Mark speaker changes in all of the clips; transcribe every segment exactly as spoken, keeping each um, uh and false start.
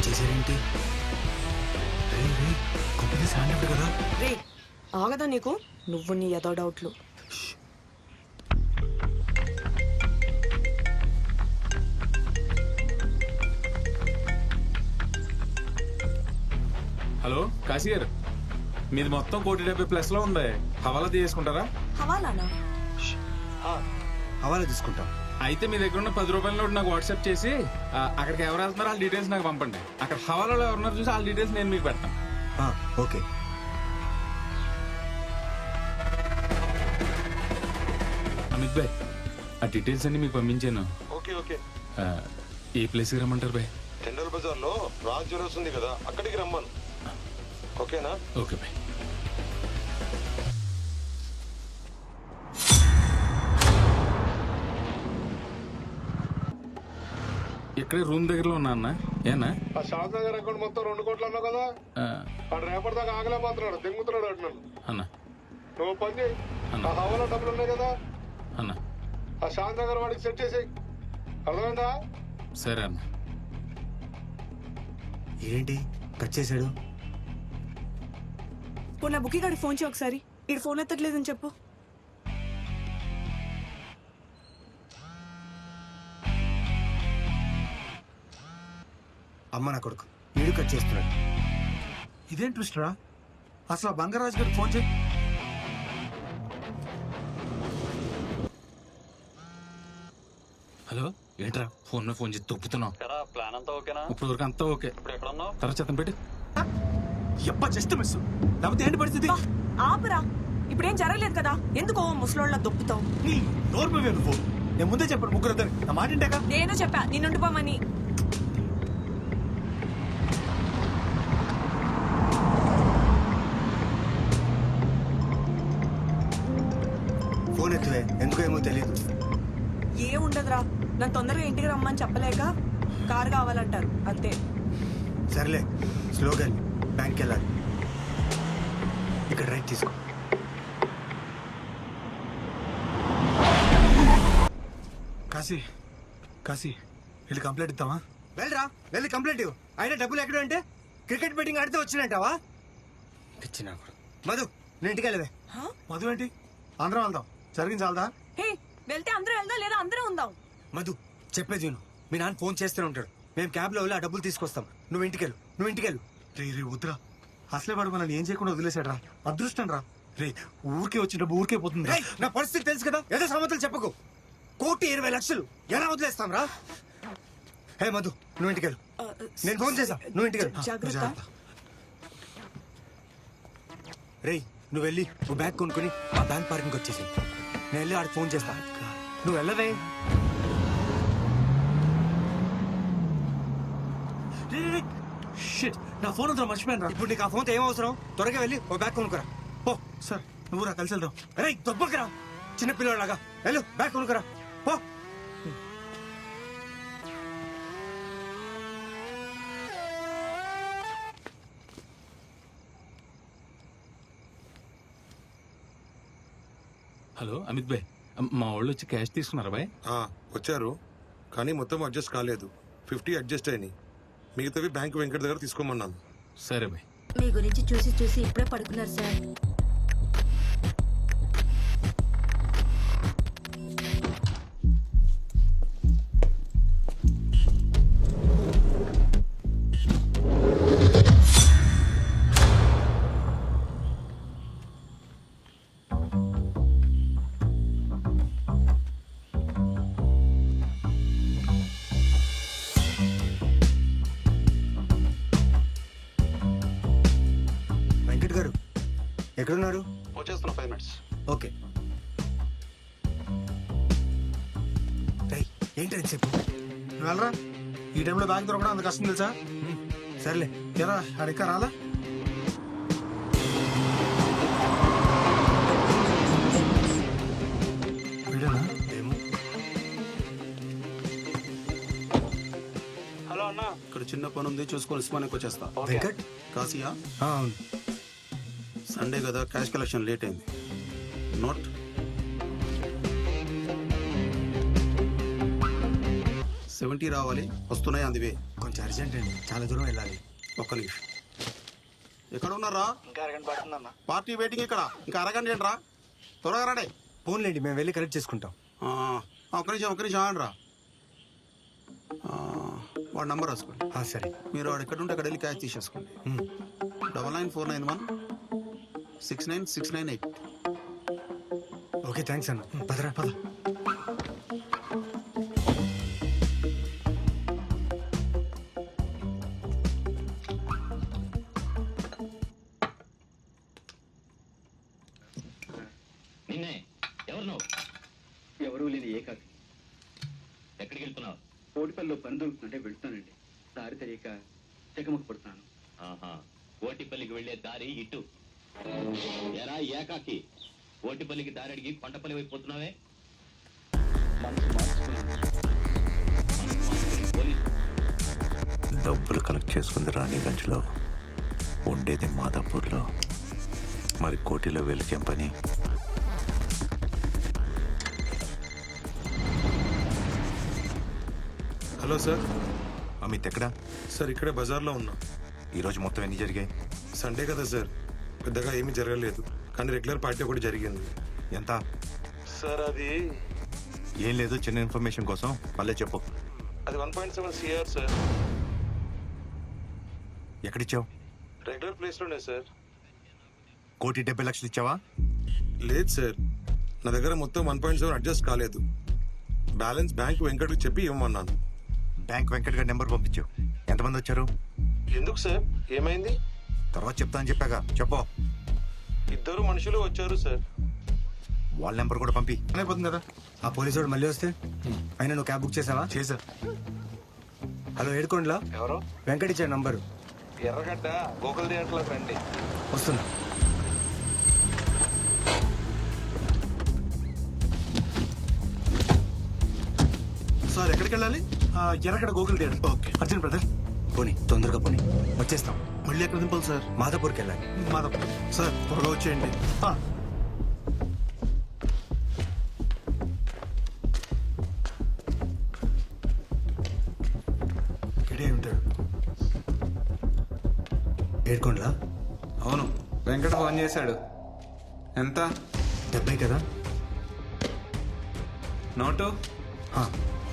Speaker 1: చేశారేంటి? రే రే company sand కదా.
Speaker 2: రే ఆగదా నీకు? నువ్వు నీ ఏదో డౌట్లు.
Speaker 3: హలో కాశీ గారు, మీది మొత్తం కోటి డెబ్బై ప్లస్ లో ఉంది. హవాలా తీసుకుంటారా?
Speaker 2: హవాలానా?
Speaker 1: హవాలా తీసుకుంటాం.
Speaker 3: అయితే మీ దగ్గర ఉన్న పది రూపాయల నోటు నాకు వాట్సాప్ చేసి ఆ, అక్కడికి ఎవరు వెళ్తున్నారో వాళ్ళ డీటెయిల్స్ నాకు పంపండి. అక్కడ హవాలాలో ఎవరున్నారు చూసి వాళ్ళ డీటెయిల్స్ నేను మీకు పెడతాను.
Speaker 1: ఓకే.
Speaker 3: అమిత్ భాయ్, ఆ డీటెయిల్స్ అన్ని మీకు పంపించాను.
Speaker 4: Okay okay.
Speaker 3: ఆ, ఏ ప్లేస్కి రమ్మంటారు భాయ్?
Speaker 4: టెండర్ బజార్ లో రాజ్ జ్యువెలర్స్ ఉంది కదా, అక్కడికి రమ్మను. ఓకేనా?
Speaker 3: ఓకే భాయ్. ఇక్కడే రూమ్ దగ్గరలో ఉన్నా అన్న. ఏనా
Speaker 4: ఆ షాద్ నగర్ అకౌంట్ మొత్తం రెండు కోట్లు అన్నావు కదా,
Speaker 3: ఆ,
Speaker 4: వాడు రేపటి దాకా ఆగలేకపోతున్నాడు, దింగుతున్నాడు అంటున్నాను.
Speaker 3: అన్న
Speaker 4: నువ్వు పని చేయి,
Speaker 3: అన్న.
Speaker 4: ఆ హవాలా డబ్బులు ఉన్నాయి కదా,
Speaker 3: అన్న
Speaker 4: ఆ షాద్ నగర్ వాడికి సెట్ చేసి. అర్థమైందా?
Speaker 3: సరే అన్న.
Speaker 1: ఏంటి కట్ చేశాడు?
Speaker 2: పోనీ నా బుక్కి గారికి ఫోన్ చేయి ఒకసారి. ఇటు ఫోన్ ఎత్తట్లేదని చెప్పు.
Speaker 1: అమ్మ నా కొడుకు వీడు కట్ చేస్తున్నాడు.
Speaker 5: ఇదేం ట్విస్ట్ రా? అసలు ఆ బంగారాజు గారికి ఫోన్ చేయి.
Speaker 3: హలో, ఏంట్రా ఫోన్ మీద ఫోన్ చేసి తొప్పుతున్నావు?
Speaker 6: ప్లాన్ అంతా ఓకేనా?
Speaker 3: ఇప్పుడు వరకు అంతా ఓకే.
Speaker 6: ఇప్పుడు ఎక్కడ ఉన్నావు?
Speaker 3: తర్వాత చెత్తం పెట్టి.
Speaker 5: ఎప్ప జస్ట్ మిస్. లేకపోతే ఏంటి పరిస్థితి?
Speaker 2: బా, ఆపరా. ఇప్పుడేం జరగలేదు కదా, ఎందుకో ముసలోళ్ళ దొప్పుతావు.
Speaker 5: నీ నోరు మీద నువ్వు. నేను ముందే చెప్పాను ముగ్గురు ఇద్దరు నా మాట ఇంటాక.
Speaker 2: నేను చెప్పా నిన్నుండిపోమని.
Speaker 1: ఫోన్ ఎత్తువే, ఎందుకో ఏమో తెలియదు.
Speaker 2: ఏ ఉండదురా, నన్ను తొందరగా ఇంటికి రమ్మని చెప్పలేక కారు కావాలంటారు అంతే.
Speaker 1: సర్లే స్లోగన్, బ్యాంక్కి వెళ్ళాలి. ఇక్కడ రైట్ తీసుకో.
Speaker 5: కాశీ కాశీ వెళ్ళి కంప్లైంట్ ఇద్దామా?
Speaker 1: వెళ్ళరా, వెళ్ళి కంప్లైంట్ ఇవ్వు. అయినా డబ్బులు ఎక్కడ అంటే క్రికెట్ బెట్టింగ్ ఆడితే వచ్చినట్టావా? పిచ్చినా మధు, నేను ఇంటికి వెళ్ళవే.
Speaker 5: మధు ఏంటి? అందరం వెళ్దాం. జరిగింది చాలదా?
Speaker 2: హే, వెళ్తే అందరూ వెళ్దాం లేదా అందరూ ఉందాం.
Speaker 1: మధు చెప్పేది విను. మీ నాన్న ఫోన్ చేస్తూనే ఉంటాడు. మేము క్యాబ్ లో వెళ్ళి ఆ డబ్బులు తీసుకొస్తాం. నువ్వు ఇంటికి వెళ్ళు, నువ్వు ఇంటికి వెళ్ళు.
Speaker 5: రే రే వద్దురా. అసలే వాడు మనల్ని ఏం చేయకుండా వదిలేశాడు రా. అదృష్టం రా. రే ఊరికే వచ్చి డబ్బు ఊరికే పోతుంది.
Speaker 1: రేయ్, నా పరిస్థితి తెలుసు కదా, ఏదో సమతలు చెప్పకు. కోటి ఇరవై లక్షలు ఎలా వదిలేస్తాం రా? హే మధు, నువ్వు ఇంటికి వెళ్ళు. నేను ఫోన్ చేసా, నువ్వు ఇంటికి వెళ్ళు.
Speaker 2: జాగ్రత్త.
Speaker 1: రేయ్, నువ్వు వెళ్ళి ఓ బ్యాగ్ కొనుక్కొని ఆ బ్యాంక్ పార్కింగ్ వచ్చేసి నేను వెళ్ళి ఆడికి ఫోన్ చేస్తా. నువ్వు వెళ్ళవే.
Speaker 5: షిట్, నా ఫోన్ అంతా మర్చిపోయాను రా.
Speaker 1: ఇప్పుడు నీకు ఆ ఫోన్తో ఏం అవసరం? త్వరగా వెళ్ళి ఓ బ్యాగ్ కొనుక్కురా. పో.
Speaker 5: సార్ నువ్వు రా, కలిసి వెళ్దాం.
Speaker 1: రేయ్ దొబ్బకురా, చిన్న పిల్లలాగా వెళ్ళు, బ్యాగ్ కొనుక్కురా. పో.
Speaker 3: హలో అమిత్ భాయ్, మా వాళ్ళు వచ్చి క్యాష్ తీసుకున్నారా భాయ్?
Speaker 4: ఆ, వచ్చారు కానీ మొత్తం అడ్జస్ట్ కాలేదు. ఫిఫ్టీ అడ్జస్ట్ అయినాయి. మిగతావి బ్యాంక్ వెంకట దగ్గర తీసుకోమన్నాను.
Speaker 3: సరే భాయ్.
Speaker 7: మీ గురించి చూసి చూసి ఇప్పుడే పడుకున్నారు సార్.
Speaker 1: వెంకట్ గారు ఎక్కడున్నారు?
Speaker 6: వచ్చేస్తున్నా ఫైవ్ మినిట్స్.
Speaker 1: ఓకే. రేయ్, ఏంటి చెప్పు.
Speaker 5: నువ్వు వెళ్ళరా. ఈ టైంలో బ్యాగ్ దొరకడం అంత కష్టం తెలుసా?
Speaker 1: సర్లే.
Speaker 5: ఎరా అడిక్క రాలా? వీడేనా?
Speaker 1: ఏమో.
Speaker 6: హలో అన్న,
Speaker 8: ఇక్కడ చిన్న పని ఉంది, చూసుకొని ఉస్మానికి వచ్చేస్తా.
Speaker 1: వెంకట్?
Speaker 8: కాశీయా?
Speaker 1: ఆ, అవును.
Speaker 8: సండే కదా, క్యాష్ కలెక్షన్ లేట్ అయింది. నోట్. సెవెంటీ రావాలి, వస్తున్నాయి అందువే.
Speaker 1: కొంచెం అర్జెంట్ అండి, చాలా దూరం వెళ్ళాలి.
Speaker 8: ఒక్క నిమిషం. ఎక్కడ ఉన్నారా?
Speaker 1: ఇంకా అరగంట పడుతుందన్న.
Speaker 8: పార్టీ వెయిటింగ్ ఇక్కడ. ఇంకా అరగంట ఏంట్రా? త్వరగా రాడే.
Speaker 1: ఫోన్లేండి, మేము వెళ్ళి కలెక్ట్ చేసుకుంటాం.
Speaker 8: ఆ, ఒక్క నిమిషం ఒక్క నిమిషం ఆగండి రా. ఆ, వాడి నంబర్ రాసుకోండి.
Speaker 1: ఆ, సరే.
Speaker 8: మీరు వాడు ఎక్కడ ఉంటే అక్కడ వెళ్ళి క్యాష్ తీసేసుకోండి.
Speaker 1: Um.
Speaker 8: Double nine four nine one six nine six nine eight.
Speaker 1: Okay, thanks అన్న. ఉమ్, పదరా పద.
Speaker 9: నిన్నే ఎవరు నువ్వు?
Speaker 10: ఎవరూ లేని ఏకాకి.
Speaker 9: ఎక్కడికి వెళ్తున్నావు?
Speaker 10: కోటిపల్లిలో పని దొరుకుతుంటే వెళ్తానండి. దారి తెలియక తెగమకు పడుతున్నాను.
Speaker 9: ఆహా, ఓటిపల్లికి వెళ్లే దారి ఇటు. ఎరా ఏకాకి, ఓటిపల్లికి దారి అడిగి కొండపల్లి వైపు పోతున్నావే?
Speaker 10: మనసు మార్చుకున్నాను.
Speaker 9: పోలీసు
Speaker 11: డబ్బులు కలెక్ట్ చేసుకుంది రాణిగంజ్లో, ఉండేది మాదాపూర్లో. మరి కోటిలో వెలికేం పని?
Speaker 4: Hello sir.
Speaker 11: అమిత్ ఎక్కడా?
Speaker 4: సార్ ఇక్కడే బజార్లో ఉన్నా.
Speaker 11: ఈరోజు మొత్తం ఎన్ని జరిగాయి?
Speaker 4: సండే కదా సార్, పెద్దగా ఏమీ జరగలేదు. కానీ రెగ్యులర్ పార్టీ ఒకటి జరిగింది.
Speaker 11: ఎంత?
Speaker 4: సార్ అది
Speaker 11: ఏం లేదు, చిన్న ఇన్ఫర్మేషన్ కోసం మళ్ళీ చెప్పు.
Speaker 4: అది one point seven CR sir.
Speaker 11: ఎక్కడిచ్చావు?
Speaker 4: రెగ్యులర్ ప్లేస్లోనే సార్.
Speaker 11: కోటి డెబ్బై లక్షలు ఇచ్చావా?
Speaker 4: లేదు సార్, నా దగ్గర మొత్తం వన్ పాయింట్ సెవెన్ అడ్జస్ట్ కాలేదు. బ్యాలెన్స్ బ్యాంక్ వెంకట్కి చెప్పి ఇవ్వమన్నాను.
Speaker 11: బ్యాంక్ వెంకట్ గారి నెంబర్ పంపించావు. ఎంతమంది వచ్చారు?
Speaker 4: ఎందుకు సార్, ఏమైంది?
Speaker 11: తర్వాత చెప్తా అని చెప్పాగా, చెప్పు.
Speaker 4: ఇద్దరు మనుషులు వచ్చారు సార్.
Speaker 11: వాళ్ళ నెంబర్ కూడా పంపి.
Speaker 5: అయిపోతుంది కదా.
Speaker 1: ఆ పోలీసు వాడు మళ్ళీ వస్తే అయినా నువ్వు క్యాబ్ బుక్ చేసావా?
Speaker 5: చేసా.
Speaker 1: హలో, ఏడుకోండిలా
Speaker 6: ఎవరు?
Speaker 1: వెంకట్ ఇచ్చాడు నంబరు.
Speaker 6: ఎర్రగడ్డ గోకుల్ థియేటర్లోకి రండి.
Speaker 1: వస్తున్నా.
Speaker 5: సార్ ఎక్కడికి వెళ్ళాలి? ఆ, Erragadda Gokul theatre. Okay, Arjun brother.
Speaker 1: పోనీ, తొందరగా పోనీ, వచ్చేస్తాం.
Speaker 5: మళ్ళీ ఎక్కడ దింపాలి సార్?
Speaker 1: మాదాపూర్కి వెళ్ళాలి.
Speaker 5: మాధవ్ సార్, త్వరగా వచ్చేయండి. ఆ, ఇక్కడే ఉంటాడు.
Speaker 1: ఏడుకోండిలా.
Speaker 3: అవును, వెంకట ఫోన్ చేశాడు. ఎంత?
Speaker 1: డెబ్బై కదా.
Speaker 3: నోటు?
Speaker 1: ఆ.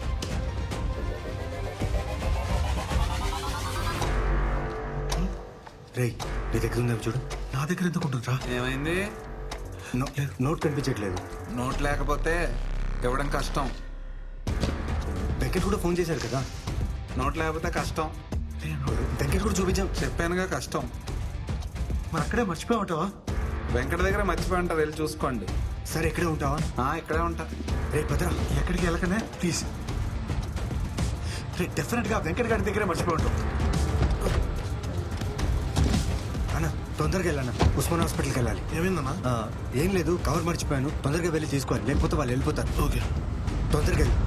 Speaker 1: రేయ్, నీ దగ్గర ఉందేమో చూడు.
Speaker 5: నా దగ్గర ఎందుకు ఉంటుందిరా?
Speaker 3: ఏమైంది?
Speaker 1: నో- నోట్ కనిపించట్లేదు.
Speaker 3: నోట్ లేకపోతే ఇవ్వడం కష్టం.
Speaker 1: వెంకట్ కూడా ఫోన్ చేశారు కదా.
Speaker 3: నోట్ లేకపోతే కష్టం.
Speaker 1: వెంకట్ కూడా చూపించాం.
Speaker 3: చెప్పానుగా కష్టం.
Speaker 5: మరి అక్కడే మర్చిపోయామంటావా?
Speaker 3: వెంకట దగ్గర మర్చిపోయి ఉంటారు, వెళ్ళి చూసుకోండి.
Speaker 1: సరే, ఇక్కడే ఉంటావా?
Speaker 3: ఆ, ఇక్కడే ఉంటా.
Speaker 1: రే భద్రా,
Speaker 5: ఎక్కడికి వెళ్ళకనే ప్లీజ్. రే, డెఫినెట్ గా వెంకట్ గారి దగ్గరే మర్చిపోయి ఉంటాం.
Speaker 1: అన్న తొందరగా వెళ్ళాను, ఉస్మాన్ హాస్పిటల్కి వెళ్ళాలి.
Speaker 5: ఏమైందన్నా?
Speaker 1: ఆ, ఏం లేదు, కవర్ మర్చిపోయాను. తొందరగా వెళ్ళి తీసుకోవాలి, లేకపోతే వాళ్ళు వెళ్ళిపోతారు.
Speaker 5: ఓకే,
Speaker 1: తొందరగా వెళ్ళి.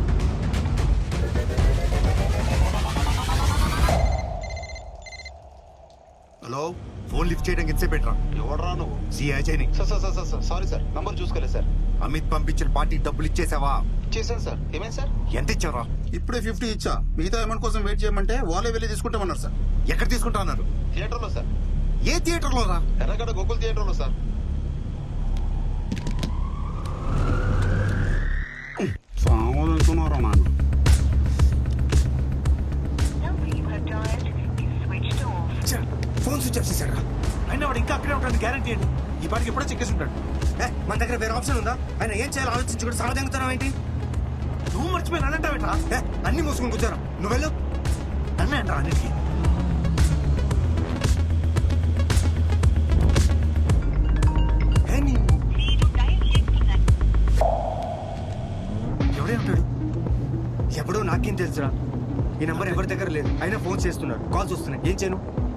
Speaker 8: హలో,
Speaker 11: ఫోన్ లిఫ్ట్ చేయడానికి ఎంతసేపు పెట్టరా?
Speaker 8: ఎవడరా నువ్వు?
Speaker 11: సిఐ చైని.
Speaker 8: Sir sir sir sir sorry sir, number చూసుకోలేదు సార్.
Speaker 11: అమిత్ పంపించిన పార్టీ డబ్బులు ఇచ్చేసావా?
Speaker 8: చేశాను సార్. ఏమైంది సార్?
Speaker 11: ఎంత ఇచ్చావరా?
Speaker 8: ఇప్పుడే ఫిఫ్టీ ఇచ్చా. మిగతా అమౌంట్ కోసం వెయిట్ చేయమంటే వాళ్ళే వెళ్ళి తీసుకుంటామన్నారు సార్.
Speaker 11: ఎక్కడ తీసుకుంటా అన్నారు?
Speaker 8: థియేటర్లో సార్.
Speaker 11: ఏ థియేటర్లో రా?
Speaker 8: ఎర్రగడ్డ గోకుల్ థియేటర్లో సార్. సామాన్ అనుకున్నారా నాన్న?
Speaker 1: ఛ, ఫోన్ స్విచ్ ఆఫ్ చేశారా?
Speaker 5: అయినా వాడు ఇంకా అక్కడే ఉంటాడు గ్యారంటీ అండి. ఈ పాటికి ఎప్పుడో చెక్కేసి ఉంటాడు.
Speaker 1: ఏ, మన దగ్గర వేరే ఆప్షన్ ఉందా? ఆయన ఏం చేయాలో ఆలోచించుకుంటే సమాధానం ఏంటి?
Speaker 5: నువ్వు మర్చిపోయి నన్నంటావేట్రా?
Speaker 1: ఏ, అన్ని మూసుకుని కూర్చోరా. నువ్వు వెళ్ళు.
Speaker 5: నన్నే అంటారా అన్నిటికీ?
Speaker 1: ఏ, నీ-
Speaker 5: ఎవడే ఉంటాడు?
Speaker 1: ఎప్పుడో నాకేం తెలుసురా. ఈ నంబర్ ఎవరి దగ్గర లేదు, అయినా ఫోన్ చేస్తున్నారు, కాల్స్ వస్తున్నాయి. ఏం చేయను?